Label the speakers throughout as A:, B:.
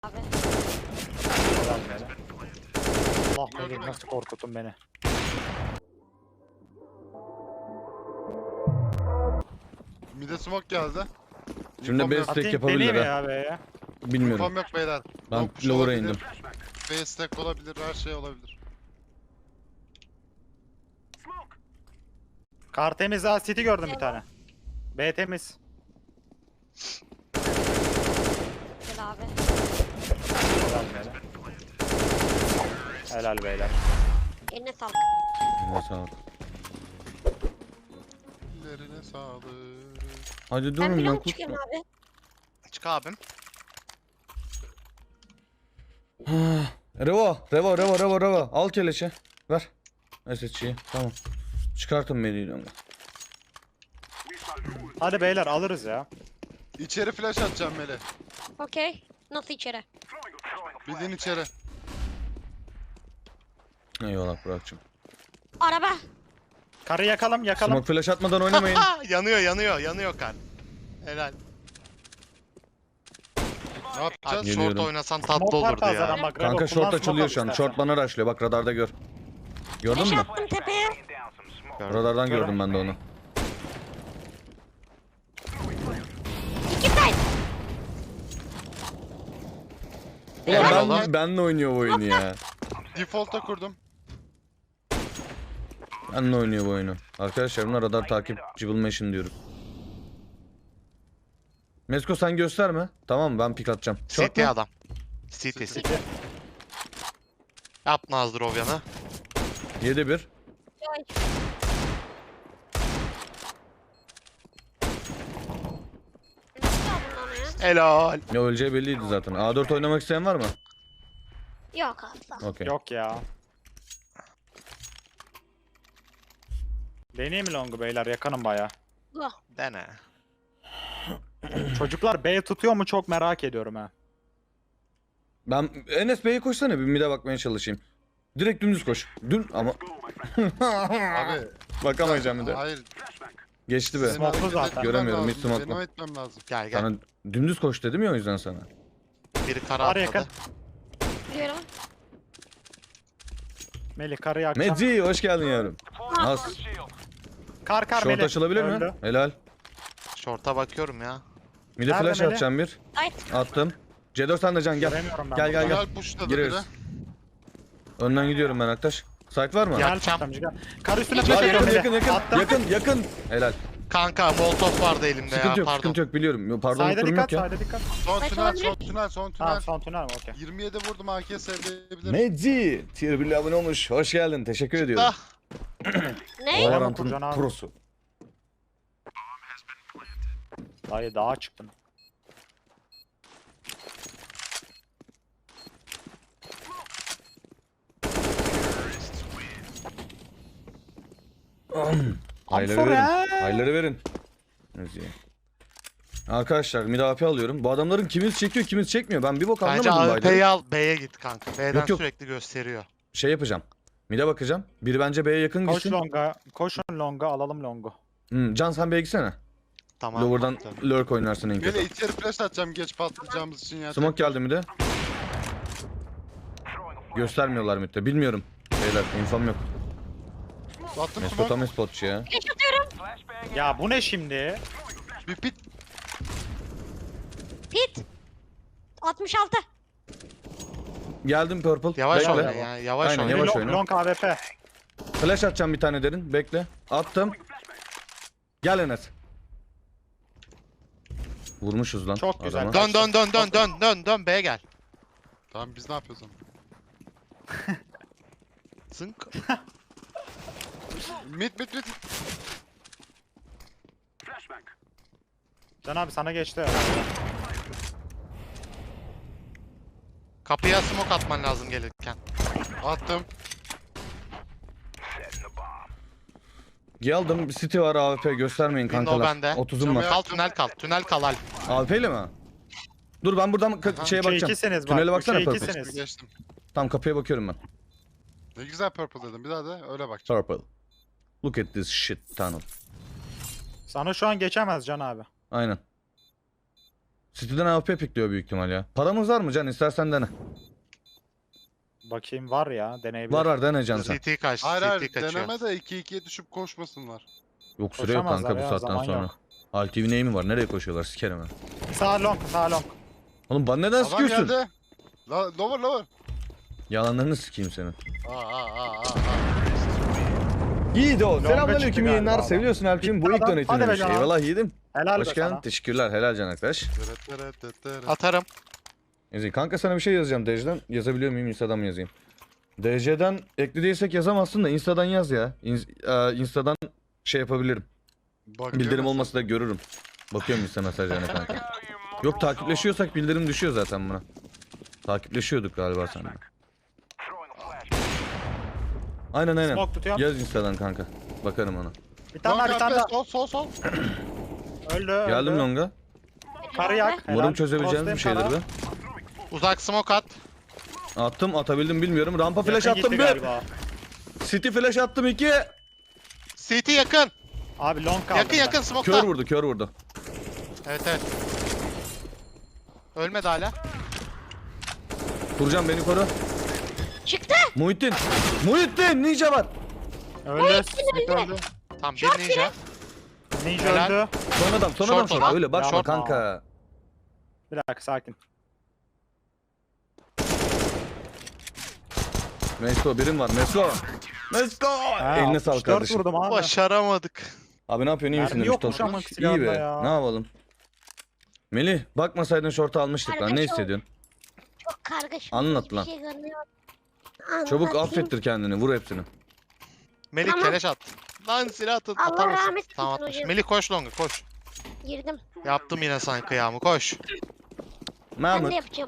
A: Abi.
B: Allah bilir nasıl korkuttun beni.
C: Mide smoke geldi.
D: Şimdi
C: İnfom
D: base
C: yok.
D: stack
B: Atayım
D: yapabilirler
B: deneyeyim
D: ha.
B: ya be ya.
D: Bilmiyorum.
C: İnfom yok beyler.
D: Ben
C: Long push
D: lower'a
C: olabilir,
D: indim.
C: Base stack olabilir, her şey olabilir.
B: Kar temiz ha, city gördüm bir tane. B temiz.
A: Gel abi.
B: Helal beyler. Helal beyler.
A: Eline sağlık.
D: Eline sağlık.
C: Ellerine sağlık.
D: Hadi
A: Ben
D: durun
A: bir
D: ben
A: long çıkıyorum abi.
C: Çık abim.
D: Revo. Al keleşi. Ver. SSC'yi. Tamam. Çıkartın beni.
B: Hadi beyler alırız ya.
C: İçeri flash atacağım Mele.
A: Okey. Nasıl içeri?
C: Bildiğin içeri.
D: Eyvallah Burak'cığım.
A: Araba.
B: Karı yakalım.
D: Smoke flash atmadan oynamayın.
E: yanıyor kan. Helal.
C: Ne yapacağız?
D: Geliyorum.
E: Short oynasan tatlı
B: Smoke var
E: olurdu ya.
B: fazladan bak, Revo,
D: Kanka
B: kullan,
D: short açılıyor
B: smoke
D: şu an.
B: al
D: Short
B: istersen.
D: bana rushlıyor. Bak radarda gör. Gördün
A: Flash
D: mü?
A: attım tepeye.
D: Radardan gördüm ben de onu.
A: İki side.
D: Ulan
C: Eyvallah.
D: benle oynuyor bu oyunu ya.
C: Default'a kurdum.
D: Benle oynuyor bu oyunu. Arkadaşlar buna radar takip Cibble diyorum. Mesko sen gösterme. Tamam mı? Ben pik atacağım. Short
E: CT
D: mu?
E: adam. CT. Yap Nazdrovyan'ı.
D: 7-1.
A: Ay. Nasıl aldın onu ya?
E: Helal.
D: Ne öleceği belliydi zaten. A4 oynamak isteyen var mı?
A: Yok abi sağ ol.
D: Okey.
B: Yok ya. Deneyeyim mi longu beyler? Yakınım baya.
A: Bu.
E: Dene.
B: Çocuklar B tutuyor mu çok merak ediyorum ha.
D: Ben Enes Bey'e koşsana bir mid'e bakmaya çalışayım. Direkt dümdüz koş. Ama
C: Abi.
D: bakamayacağım bir de.
C: Hayır.
D: Geçti be.
C: senin
B: Smoke'lu
C: hareket
B: zaten.
C: etmem
D: Göremiyorum,
C: lazım,
D: hiç smoke'lu.
C: Benim etmem lazım.
E: Gel gel.
D: Sana dümdüz koş dedim ya o yüzden sana.
E: Biri kara
B: Var
E: atladı.
B: yakın.
A: Biliyorum.
B: Melih karı yakacağım.
D: Medzi hoş geldin yavrum. Az.
B: Kar
D: Short
B: Melih.
D: açılabilir mi?
B: Öldü.
D: Helal.
E: Short'a bakıyorum ya.
D: Mid'e
B: Nerede
D: flash
B: Melih?
D: atacağım bir.
A: Side.
D: Attım. C4 sen de can gel.
B: Göremiyorum ben
D: Gel,
B: buradan.
D: gel.
C: Helal pushladı
D: Gireriz.
C: biri.
D: Önden gidiyorum ben Aktaş. Site var mı?
E: Ya.
B: Gel
E: Yakacağım.
B: tutamcı gel. Kar üstüne
D: Var,
B: flash
D: yakın
B: atıyorum Melih.
D: yakın.
B: Attım.
D: Yakın. Helal.
E: Kanka Molotov vardı elimde
D: Sıkıntı
E: ya
D: yok
E: pardon.
D: sıkıntı yok biliyorum. Pardon
B: Sayda
D: durum
B: dikkat,
D: yok ya.
B: sayda dikkat.
C: Son
A: Kaç
C: tünel,
A: olabilir?
C: son tünel, son
B: Tamam
C: tünel.
B: son tünel mi? Okey.
C: 27 vurdum, AK'ye sevdirebilir.
D: Medzi tier 1 abone olmuş. Hoş geldin. Teşekkür ediyorum.
E: Ah,
A: Ne?
D: Valorant'ın
B: Kurcan abi.
D: prosu.
B: Dayı dağa çıktın.
D: Hayları
B: for
D: verin.
B: ya.
D: Hayları verin. Medzi. Arkadaşlar mid AP alıyorum. Bu adamların kimisi çekiyor kimisi çekmiyor. Ben bir bok
E: bence
D: anlamadım
E: AWP'yi
D: Baydar'ı.
E: al B'ye git kanka. B'den
D: Yok, yok.
E: sürekli gösteriyor.
D: Şey yapacağım. Mid'e bakacağım. Biri bence B'ye yakın
B: Koş
D: gitsin.
B: longa. Koşun longa, alalım longu.
D: Can sen B'ye gitsene.
E: Tamam.
D: Lower'dan
E: Tabii.
D: lurk oynarsın en
C: Mele
D: kötü.
C: içeri flash atacağım geç patlayacağımız için ya.
D: Smoke geldi mi de? Göstermiyorlar mid'de. Bilmiyorum. Beyler infom yok.
C: Attım
D: Mesut
C: smoke.
D: tam spotçu ya.
A: Flash atıyorum.
B: Ya bu ne şimdi?
C: Bir pit.
A: Pit. 66.
D: Geldim purple.
E: Yavaş
D: Bekle.
E: oyna ya. Yavaş
D: Aynen,
E: oyna.
D: yavaş
B: Long,
D: oyna.
B: long AWP.
D: Flash atacağım bir tane derin. Bekle. Attım. Gel Enes. Vurmuşuz lan.
B: Çok güzel.
D: adama.
E: Dön B'ye gel.
C: Tamam biz ne yapıyoruz ama?
E: Zınk.
C: Mid.
B: Can abi sana geçti.
E: Kapıya smoke atman lazım gelirken.
C: Attım.
D: Geldim. City var AWP göstermeyin
E: Window
D: kankalar.
E: bende.
D: 30'um var.
E: Kal tünel kal. Tünel kal Alp.
D: AWP ile mi? Dur ben buradan şeye
B: Üçe
D: bakacağım.
B: ikisiniz bak.
D: Tünele baksana
B: Üçe
D: purple.
B: ikisiniz.
C: Geçtim.
D: Tamam kapıya bakıyorum ben.
C: Ne güzel purple dedim. Bir daha da öyle bakacağım.
D: Purple. Look at this shit tunnel.
B: Sana şu an geçemez Can abi.
D: Aynen. City'den AWP pikliyor büyük ihtimal ya. Paramız var mı Can? İstersen dene.
B: Bakayım var ya deneyebilir.
D: Var dene Can sen.
E: CT kaç.
C: Hayır
E: CT
C: hayır
E: kaçıyor.
C: deneme de 2-2'ye düşüp koşmasınlar.
D: Yok süre yok
B: Koşamazlar
D: kanka bu
B: ya,
D: saatten
B: zaman
D: sonra.
B: yok.
D: Altiv neyimi var? Nereye koşuyorlar? Sikerim ben.
B: Sağ long, sağ long.
D: Oğlum bana neden
C: Adam
D: sıkıyorsun?
C: geldi. Lower.
D: Yalanlarını sikeyim senin.
C: Aa.
D: Yiğit o.
B: çıktı
D: Selamünaleyküm
B: galiba
D: yayınlar.
B: adam.
D: Seviyorsun Alp'cim. Bu ilk
B: Hadi be
D: donate'ini
B: Can.
D: Eyvallah yiğidim.
B: Helal be
D: Hoş geldin.
B: sana.
D: Teşekkürler. Helal Can arkadaş.
E: Atarım.
D: Ezi, kanka sana bir şey yazacağım DC'den. Yazabiliyor muyum? Insta'dan mı yazayım? DC'den ekli değilsek yazamazsın da Insta'dan yaz ya. Insta'dan şey yapabilirim. Bildirim olmasa da görürüm. Bakıyorum Insta mesajlarına kanka. Yok takipleşiyorsak bildirim düşüyor zaten buna. Takipleşiyorduk galiba seninle. Aynen.
B: Smoke tutuyorum.
D: Yaz Insta'dan kanka. Bakarım ona.
B: Bir tane daha, bir tane daha.
C: Sol.
B: Öldü.
D: Geldim
B: öldü.
D: longa.
B: Karı yak.
D: Umarım
B: helal.
D: çözebileceğimiz bir şeydir
B: Frost'tayım
D: be.
E: Uzak smoke at.
D: Attım atabildim bilmiyorum. Rampa
B: sana.
D: flash
B: Yakın
D: attım
B: gitti
D: bir.
B: galiba.
D: City flash attım 2.
E: CT yakın.
B: Abi long kaldı.
E: Yakın
D: Kör
E: smoke'ta.
D: vurdu.
E: Evet. Ölmedi hala.
D: Furcan beni koru.
A: Çıktı.
D: Muhittin ninja var.
B: Öldü. Smith öldü.
E: Tamam bir ninja.
B: Ninja
E: Helal.
B: öldü.
D: Son adam
E: Short
D: short.
E: olan.
D: Öyle bakma
B: Short.
D: kanka.
B: Bir dakika sakin.
D: Mesko birim var. Mesko.
B: Ha,
D: Eline sağlık
B: 64
D: kardeşim.
B: vurdum abi.
E: Başaramadık.
D: Abi ne yapıyorsun? İyi misin
B: Mermi
D: demiş
B: yokmuş
D: Tosun.
B: ama
D: İyi
B: silahında
D: be.
B: ya.
D: Ne yapalım? Melih bakmasaydın şortu almıştık lan. Ne
A: Kardeşim.
D: hissediyorsun?
A: Çok kargaşık.
D: Anlat
A: hiçbir
D: lan.
A: Şey görmüyorum.
D: Çabuk
A: Anlatayım.
D: affettir kendini. Vur hepsini.
E: Melik
A: Tamam.
E: keleş at. Lan silah atın.
A: Allah
E: Atamazsın.
A: rahmet eylesin
E: Tamam atmış.
A: hocam.
E: Melik koş longa koş.
A: Girdim.
E: Yaptım yine sana kıyamı koş.
A: Ben
D: Mahmut
A: de yapacağım.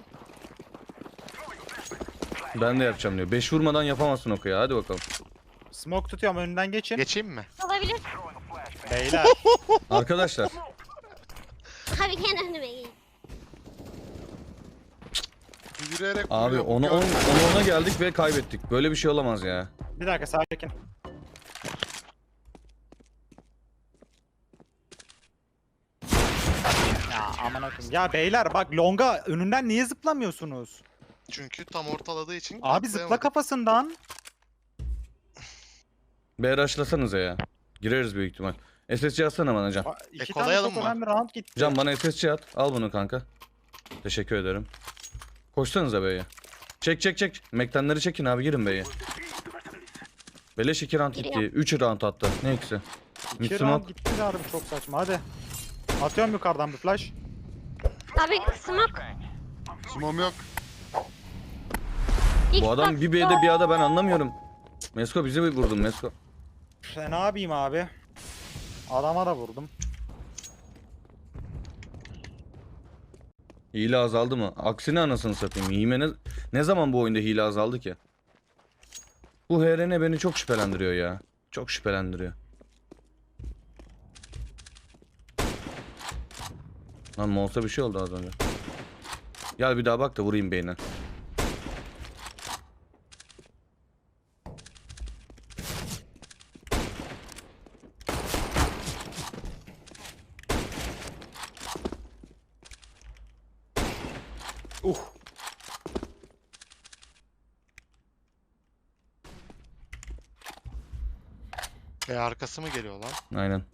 D: ben de yapacağım diyor. 5 vurmadan yapamazsın o kıya. Hadi bakalım.
B: Smoke tutuyorum önünden geçin.
E: Geçeyim mi?
A: Olabilir.
B: Beyler.
D: Arkadaşlar
A: Abi gene önüme gel.
C: Yürüyerek
D: abi
C: vuruyor,
D: ona
C: gör.
D: ona geldik ve kaybettik. Böyle bir şey olamaz ya.
B: Bir dakika sakin. Ya aman akım. Ya beyler bak longa önünden niye zıplamıyorsunuz?
E: Çünkü tam ortaladığı için
B: Abi zıpla
E: atlayamadık.
B: kafasından.
D: B rushlasanıza ya. Gireriz büyük ihtimal. SSC atsana bana Can.
B: İki tane
E: kolayalım
B: çok
E: mı?
B: önemli round gitti.
D: Can bana SSC at. Al bunu kanka. Teşekkür ederim. Koşsanıza B'ye. Çek. Mektenleri çekin abi girin B'ye. Beleş 2 round gitti.
A: Giriyorum.
D: 3 round hatta. Ne ikisi? Mid
B: İki round
D: smoke.
B: gitti abi çok saçma hadi. Atıyorum yukarıdan bir flash.
A: Abi smoke.
C: Sumom yok.
D: Bu adam bir B'de bir A'da ben anlamıyorum. Mesko bizi mi vurdun Mesko?
B: Ne yapayım abi? Adama da vurdum.
D: Hile azaldı mı? Aksine anasını satayım. Ne zaman bu oyunda hile azaldı ki? Bu HRN beni çok şüphelendiriyor ya. Çok şüphelendiriyor. Lan Mols'a bir şey oldu az önce. Gel bir daha bak da vurayım beyine.
E: Arkası mı geliyor lan?
D: Aynen.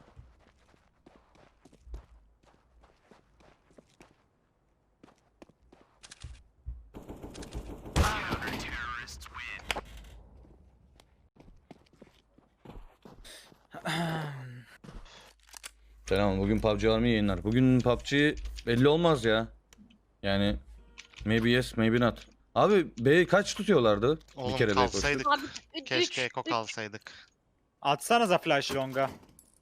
D: Selam. Bugün PUBG var mı yayınlar? Bugün PUBG belli olmaz ya. Yani maybe yes, maybe not. Abi B kaç tutuyorlardı?
E: Oğlum
D: bir kere B koştu.
E: kalsaydık.
A: Abi
E: Keşke Eko kalsaydık.
B: Atsanıza flash longa.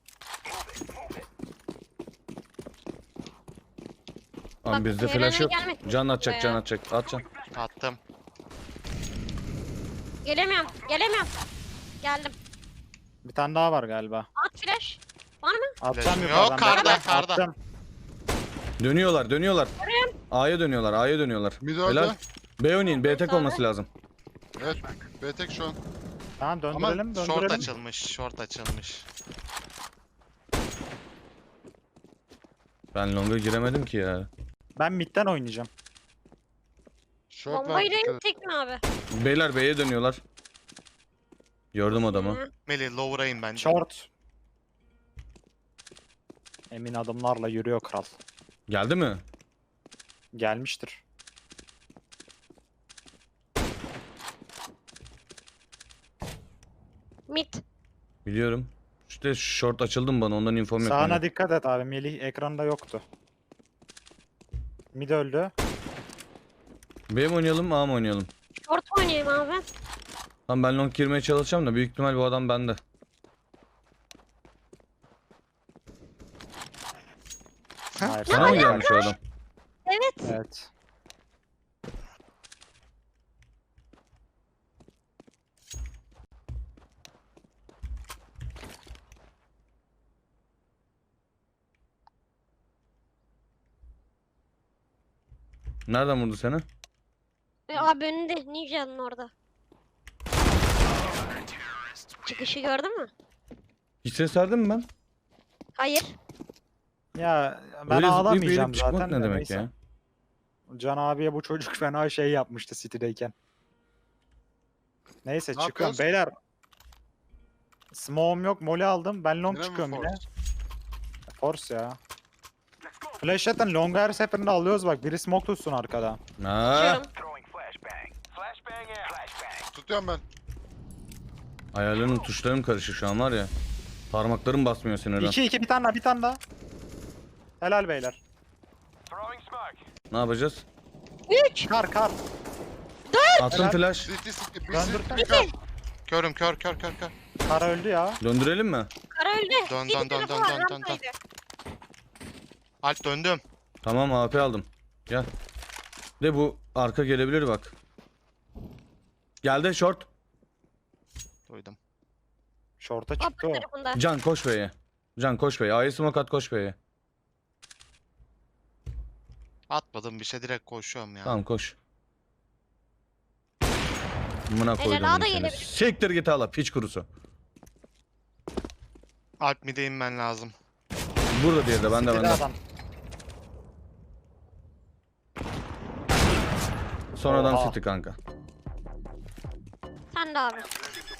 D: Lan
A: Bak,
D: bizde
A: HRN
D: flash yok.
A: gelmek
D: Can atacak,
A: ya.
D: can atacak. At can.
E: Attım.
A: Gelemiyorum. Geldim.
B: Bir tane daha var galiba.
A: At flash. Var mı?
B: Atacağım
E: Flash'ım
B: yukarıdan.
E: yok, karda,
B: beyler.
E: karda.
B: Attım.
D: Dönüyorlar. A'ya dönüyorlar.
C: Mid
D: Helal.
C: öldü.
D: B oynayın. B tek
A: Sonra?
D: olması lazım.
C: Evet. B tek şu an.
B: Tamam döndürelim
E: Short
B: döndürelim.
E: short açılmış.
D: Ben long'a giremedim ki ya.
B: Ben midden oynayacağım.
C: Short var.
A: Bombayla
C: dikkat et.
A: inecek mi abi?
D: Beyler B'ye dönüyorlar. Gördüm adamı.
A: Hı.
E: Melih lower'ayım bence.
B: Short. Emin adımlarla yürüyor kral.
D: Geldi mi?
B: Gelmiştir.
A: Mid.
D: Biliyorum. İşte short açıldım bana ondan infom yok.
B: Sağına
D: benim.
B: dikkat et abi. Melih ekranda yoktu. Mid öldü.
D: B mi oynayalım A mı oynayalım?
A: Short oynayayım abi.
D: Tamam ben long girmeye çalışacağım da büyük ihtimal bu adam bende.
B: Hayır.
D: Sana mı gelmiş o adam?
A: Evet.
B: Evet.
D: Nereden vurdu seni?
A: Abi önünde Ninja'nın orada. Çıkışı gördün mü?
D: Hiç ses verdim mi ben?
A: Hayır.
B: Ya ben
D: Öyle zıplayıp
B: ağlamayacağım
D: eğilip çıkmak
B: zaten.
D: ne
B: de
D: demek
B: neyse.
D: ya?
B: Can abiye bu çocuk fena şey yapmıştı City'deyken. Neyse
C: Ne
B: çıkıyorum
C: yapıyoruz?
B: beyler. Smoke'um yok, molly aldım. Ben long
C: Yine mi
B: çıkıyorum yine.
C: force?
B: Force ya. Flash atın, long her seferinde alıyoruz bak. Biri smoke tutsun arkada.
D: Ha?
A: Çıkıyorum.
C: Tutuyorum ben.
D: Ayarlarım tuşlarım karışık şu an var ya. Parmaklarım basmıyor sinirden.
B: 2 bir tane daha, bir tane daha. Helal beyler.
D: Ne yapacağız?
A: 3.
B: Kar.
D: Attım
B: Helal.
D: flash.
C: City city. Bir
B: Döndürsene.
C: city kal.
E: Körüm kör.
B: Kar öldü ya.
D: Döndürelim mi?
A: Kara öldü.
E: Dön,
A: Bir
E: dön,
A: tarafı
E: dön,
A: var,
E: dön, dön, dön.
A: rampaydı.
E: Alp döndüm.
D: Tamam AP aldım. Gel. De bu arka gelebilir bak. Geldi short.
E: Duydum.
B: Short'a çıktı
A: Upper
B: o.
A: tarafında.
D: Can koş B'ye. Can koş B'ye. A'yı smoke at koş B'ye.
E: Atmadım bir şey direkt koşuyorum ya.
D: Tamam koş. Amına
A: Helal,
D: koydum
A: A da
D: bunu seni.
A: gelebilir.
D: Siktir git hala piç kurusu.
E: Alp mid'e inmen lazım.
D: Burada diye de bende
B: City'de
D: bende.
B: adam.
D: Sonradan
B: Oha.
D: City kanka.
A: Sen de abi.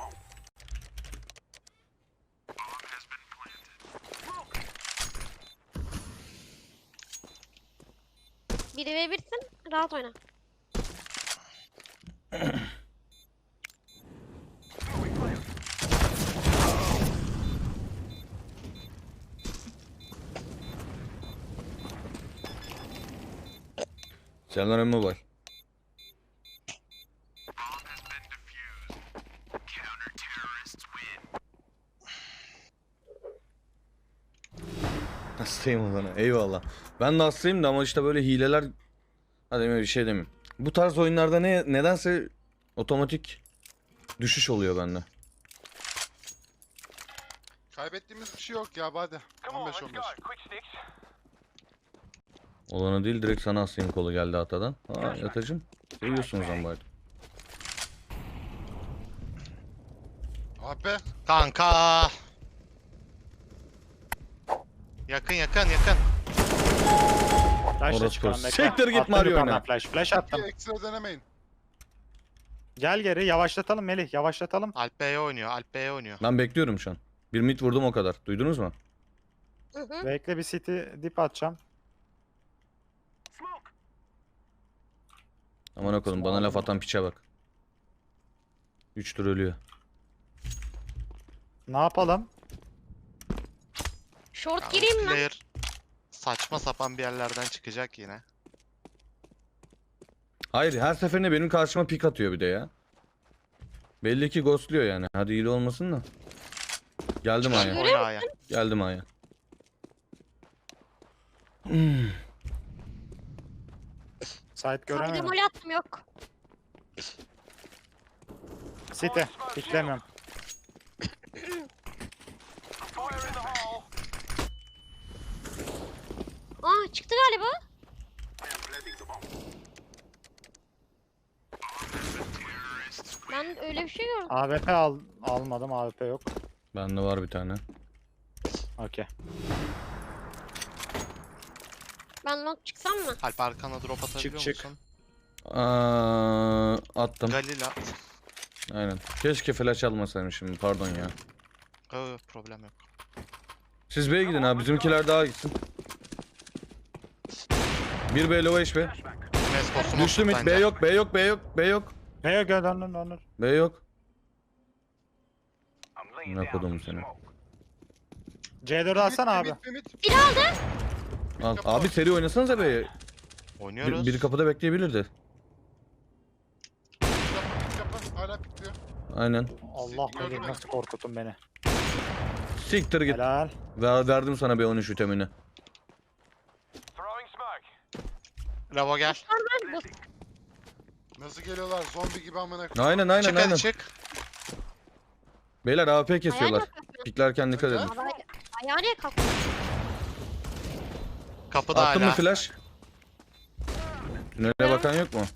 A: Biri ve birsin. Rahat oyna.
D: Selamlar Mobile. Hastayım o bana. Eyvallah. Ben de hastayım da ama işte böyle hileler... Hadi bir şey demeyeyim. Bu tarz oyunlarda nedense otomatik düşüş oluyor bende.
C: Kaybettiğimiz bir şey yok ya hadi. 15-15.
D: Olanı değil direkt sana hastayım kolu geldi hatadan. Aa yatacım. Seviyorsunuz lan bari.
C: AP.
E: Kanka. Yakın.
B: Flash'la
D: Orası
B: çıkıyorum
D: kız.
B: bekle.
D: Siktir git
B: Attım
D: Mario
B: yukarıdan
D: oyna.
B: Flash attım.
C: Bir ekstra denemeyin.
B: Gel geri yavaşlatalım Melih, yavaşlatalım.
E: Alp B'ye oynuyor.
D: Ben bekliyorum şu an. Bir mid vurdum o kadar. Duydunuz mu?
A: Hı hı.
B: Bekle bir city dip atacağım.
D: Aman okudum bana laf atan piçe bak. 3 tur ölüyor.
B: Ne yapalım?
A: Short
E: Ya,
A: gireyim mi?
E: player saçma sapan bir yerlerden çıkacak yine.
D: Hayır her seferinde benim karşıma pik atıyor bir de ya. Belli ki ghostluyor yani. Hadi iyi olmasın da. Geldim A'ya.
E: Oyna A'ya.
D: Geldim A'ya.
B: Site
A: Sadece
B: göremedim.
A: mole attım yok.
B: City, piklemiyorum.
A: Aa çıktı galiba. Ben öyle bir şey gördüm.
B: AWP almadım, AWP yok.
D: Bende var bir tane.
B: Okey.
A: Ben long çıksam mı?
E: Alp arkana drop atabiliyor
B: çık.
E: musun?
D: Attım.
E: Galil at.
D: Aynen. Keşke flash almasaymışım. Pardon ya.
E: Problem yok.
D: Siz B'ye gidin abi. Bizimkiler daha gitsin. Bir B low HP.
E: Mesko smoke
D: Düştü mid.
E: bence.
D: B yok. B yok. B yok. B yok.
B: Neye gel döndür.
D: B yok. Ne kodum seni.
B: C4'ü alsana abi.
A: Bir aldı.
D: Al. Abi seri oynasanıza B'ye.
E: Oynuyoruz.
D: Biri kapıda bekleyebilirdi.
C: Kapı hala pikliyor.
D: Aynen.
B: Allah bilir nasıl korkutun beni.
D: Siktir git.
B: Helal.
D: Verdim sana B13 vitamini.
E: Bravo gel.
A: Bu
C: Nasıl geliyorlar zombi gibi amına koyayım.
D: Aynen
E: Çık
D: aynen.
E: hadi çık.
D: Beyler AWP
A: ayağa
D: kesiyorlar.
A: niye kalktın?
D: Piklerken dikkat edin.
A: Ayağa niye kalktın?
E: Kapıda
D: Attın mı
E: hala.
D: flash? Tünele bakan yok mu?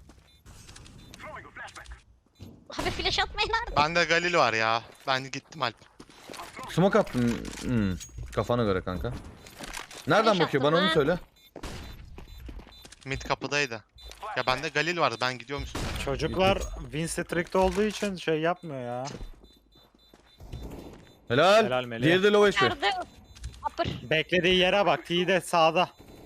A: Abi flash atmayın nerede?
E: Bende Galil var ya. Ben gittim Alp.
D: Smoke attım. Kafana göre kanka. Nereden
A: Flash
D: bakıyor?
A: attım
D: Bana onu
A: ha.
D: söyle.
E: Mid kapıdaydı. Ya bende Galil vardı. Ben gidiyorum üstüne.
B: Çocuklar win streak'te olduğu için şey yapmıyor ya.
D: Helal.
B: Helal Melih.
D: Diğeri de low HP.
A: Nerede? Upper.
B: Beklediği yere bak. T de sağda.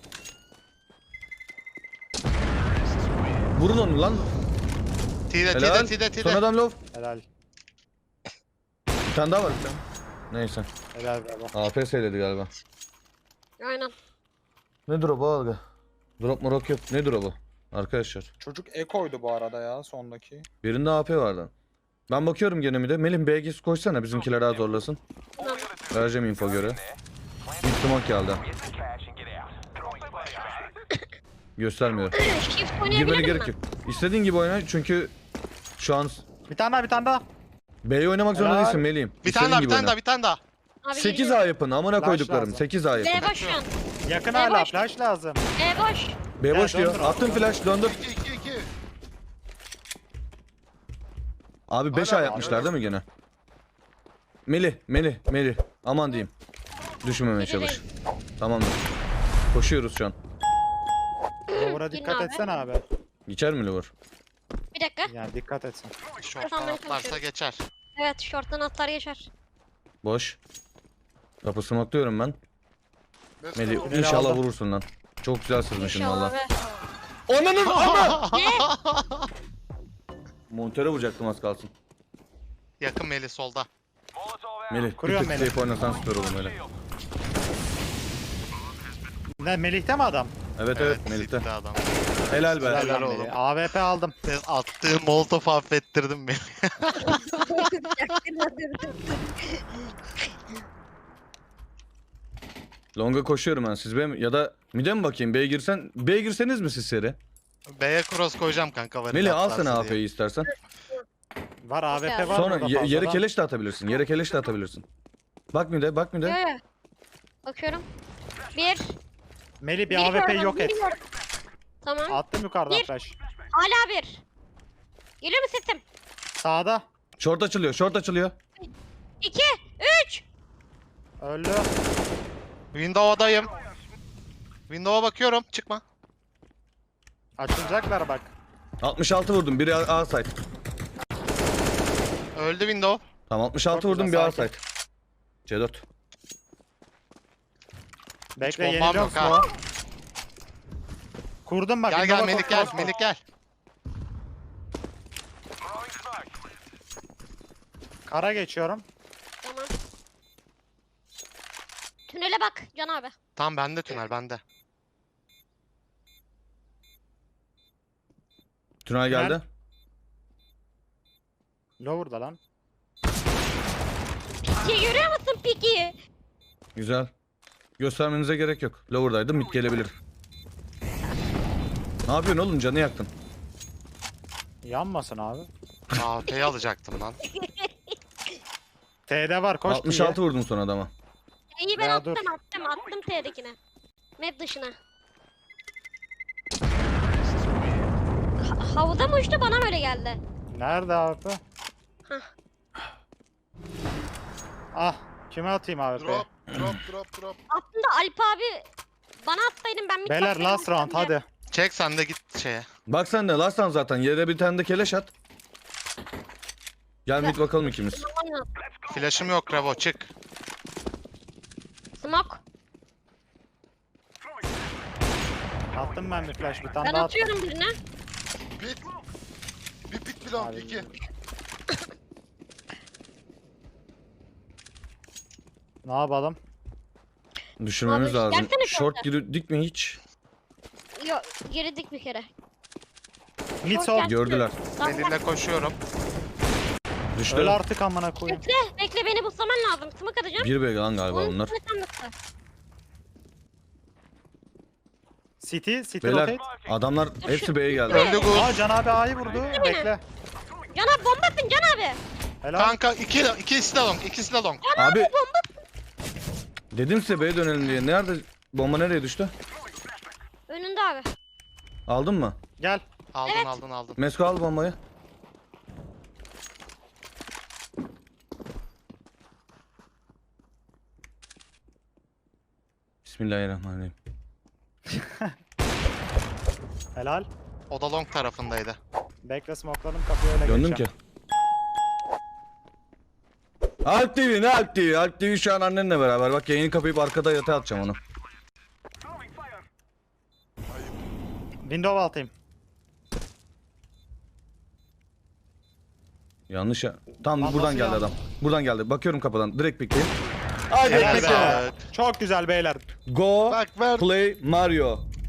D: Vurun onu lan.
E: T'de
D: Helal.
E: T'de.
D: Son adam low.
B: Helal.
D: Bir tane daha var. Bir tane. Neyse.
B: Helal bravo.
D: AP seyledi galiba.
A: Aynen.
D: Ne drop'u abi? Drop morok yok. Ne drop'u? Arkadaşlar.
B: Çocuk ekoydu bu arada ya sondaki.
D: Birinde AP vardı. Ben bakıyorum gene mi de. Melih BG'si koysana bizimkiler daha zorlasın.
A: Tamam.
D: Vereceğim info göre. Bir smoke geldi. Göstermiyor.
A: Shift
D: Girmene
A: oynayabilir
D: gerek
A: miyim?
D: yok. İstediğin gibi oyna çünkü şu an
B: Bir tane daha.
D: B'yi oynamak zorunda
B: Helal.
D: değilsin Melih'im.
E: Bir
D: İstediğin
E: tane
D: gibi oyna.
E: bir tane daha.
A: Abi
D: 8 A yapın amına
B: Flash
D: koyduklarım.
B: lazım.
D: 8 A
A: B
D: yapın.
A: boş şu an.
B: Yakın
A: B
B: hala
A: boş.
B: flash lazım.
A: B boş.
D: B boş
B: Gel,
D: diyor.
B: döndür.
D: Attım flash döndür.
C: 2.
D: Abi 5
C: Hala
D: A
C: var,
D: yapmışlar
C: hala
D: değil mi gene? Melih. Aman diyeyim. Düşmemeye çalış. Tamamdır. Koşuyoruz şu an.
B: Lower'a
A: Girin
B: dikkat
A: abi.
B: etsene abi.
D: Geçer mi Lover?
A: Bir dakika.
B: Yani dikkat etsin.
E: Şorttan
A: Kafamdan
E: atlarsa
A: konuşuyorum.
E: geçer.
A: Evet short'tan atlar geçer.
D: Boş. Kapı smoke'luyorum ben. Melih
B: Tüneli
D: inşallah
B: aldım.
D: vurursun lan. Çok güzel sızmışsın
A: İnşallah
D: valla.
A: be.
D: Ananın ama!
A: Ne?
D: Montöre vuracaktım az kalsın.
E: Yakın Melih solda.
D: Melih bir
B: Kuruyorum
D: tık
B: Melih.
D: safe oynasan süper olur öyle.
B: Ne Melih'te mi adam?
D: Evet Melih'te.
E: Ciddili adam.
D: Helal be.
B: Helal
E: Helal
B: lan
E: oğlum.
B: Melih. AWP aldım.
E: Sen attığın molotof affettirdin beni.
D: Longa koşuyorum ben. Siz B mi? Ya da mid'e mi bakayım? B'ye girsen. B'ye girseniz mi siz seri?
E: B'ye cross koyacağım kanka. varil
D: Melih al
E: atlarsa
D: sana
E: diye.
D: AP'yi istersen.
B: Var AWP
A: Sonra
B: var.
D: Sonra
B: burada
D: yere
B: fazladan.
D: keleş de atabilirsin. Yere keleş de atabilirsin. Bak mid'e bak
A: Yo
D: mid'e.
A: yo. Bakıyorum. Bir.
B: Melih bir
A: Biri
B: AWP
A: gördüm,
B: yok
A: biri
B: et.
A: gördüm. Tamam.
B: Attım yukarıdan
A: Bir.
B: flash.
A: Hala bir. Geliyor mu sesim?
B: Sağda.
D: Short açılıyor.
A: 2. 3.
B: Öldü.
E: Window'dayım. Window'a bakıyorum. Çıkma.
B: Açılacaklar bak.
D: 66 vurdum. Biri A site.
E: Öldü window.
D: Tamam 66
B: Çok
D: vurdum bir
B: güzel,
D: A site. C4.
B: Bekle
E: bombam
B: yeniliyorum
E: yok ha.
B: smoke. Kurdum bak.
E: Gel
B: window'a
E: Melih gel.
B: koş.
E: Melih gel.
B: Kara geçiyorum.
A: Tamam. Tünele bak Can abi.
E: Tamam bende tünel bende.
D: Tünel geldi.
B: Lower'da lan.
A: Piki görüyor musun Piki?
D: Güzel. Göstermenize gerek yok. Lower'daydı mid gelebilir. Ne yapıyorsun oğlum canı yaktın.
B: Yanmasın abi.
E: AWP'yi alacaktım lan.
B: T'de var koş
D: 66 vurdum son adama.
A: İyi ben
B: Ya
A: attım
B: dur.
A: attım T'dekine. Map dışına. Havada mı uçtu bana böyle geldi.
B: Nerede AWP?
A: Hah.
B: Ah. Kime atayım AWP'yi?
C: Drop.
A: Aslında Alp abi Bana atsaydın ben mid
B: Beyler
A: bakmayı
B: last round
A: unuttum ya.
B: hadi.
E: Çek sen de git şeye.
D: Bak sen de Lastan zaten. Yere bir tane de keleş at. Gel mid bakalım ikimiz.
A: Aman ya.
E: Flash'ım yok Revo çık.
A: Smoke.
B: Attım ben bir flash bir tane
A: Ben
B: daha attım.
A: atıyorum birine.
C: Pit. Bir pit bir long.
B: Abi.
C: 2.
B: Ne yapalım?
D: Düşürmemiz
A: Abi,
D: lazım.
A: gelsene
D: Short
A: kanka.
D: girdik mi hiç?
A: Yok girdik bir kere.
B: Mid
A: Short
B: sol.
A: gel.
D: Gördüler.
E: Melih'le koşuyorum.
D: Düştü.
B: Öyle artık amına koyayım.
A: Bekle beni buslaman lazım. Smoke atacağım.
D: Bir bey lan galiba
A: Onun
D: bunlar.
A: üstüne sen bıkla.
B: City
D: Beyler
B: rotate.
D: adamlar hepsi B'ye geldi.
E: Öldü Gus.
B: Aa Can abi A'yı vurdu. Bekle.
A: Can abi bomba atın Can abi.
B: Helal.
E: Kanka ikisi de long. İkisi de long.
D: Abi dedim size B'ye dönelim diye. Nerede? Bomba nereye düştü?
A: Önünde abi.
D: Aldın mı?
B: Gel.
E: Aldın
A: Evet.
E: aldın.
D: Mesko al bombayı. Bismillahirrahmanirrahim.
B: Helal.
E: O da long tarafındaydı.
B: Bekle smokladım kapıyı öyle
D: Döndüm ki.
B: geçeceğim.
D: Alp TV ne Alp TV? Alp TV şu an annenle beraber. Bak yayını kapayıp arkada yatağa atacağım onu.
B: Window altayım.
D: Yanlış ya. Tam
B: Lan
D: buradan
B: nasıl
D: geldi
B: ya?
D: adam. Buradan geldi. Bakıyorum kapıdan. Direkt pikleyeyim. Hadi
B: Helal
D: pikle.
B: be. Çok güzel beyler.
D: Go
C: Bak ver.
D: play Mario.